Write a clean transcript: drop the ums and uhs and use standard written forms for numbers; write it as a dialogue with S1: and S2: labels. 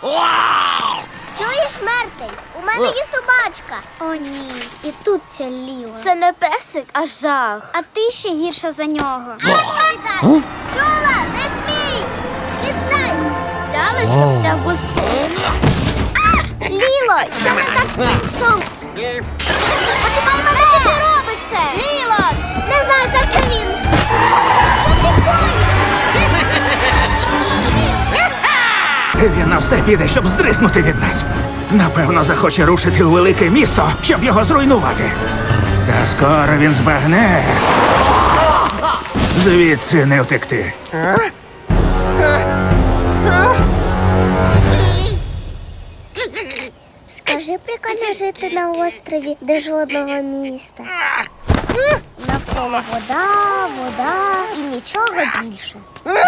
S1: Чуєш, Мертель? У мене є собачка. О, ні. І тут ця Ліла.
S2: Це не песик, а жах.
S1: А ти ще гірша за нього. Віддай! Чула, не смій! Віддай!
S2: Лялечка вся в пустині.
S1: Ліло, що не так з пупсом? Почекай мене, що ти робиш це? Ліло! Не знаю, це все він. Що ти коїш?
S3: Він на все піде, щоб здриснути від нас. Напевно, захоче рушити у велике місто, щоб його зруйнувати. Та скоро він збагне. Звідси не втекти.
S1: Скажи, прикольно жити на острові, де жодного міста. Навколо вода, вода і нічого більше.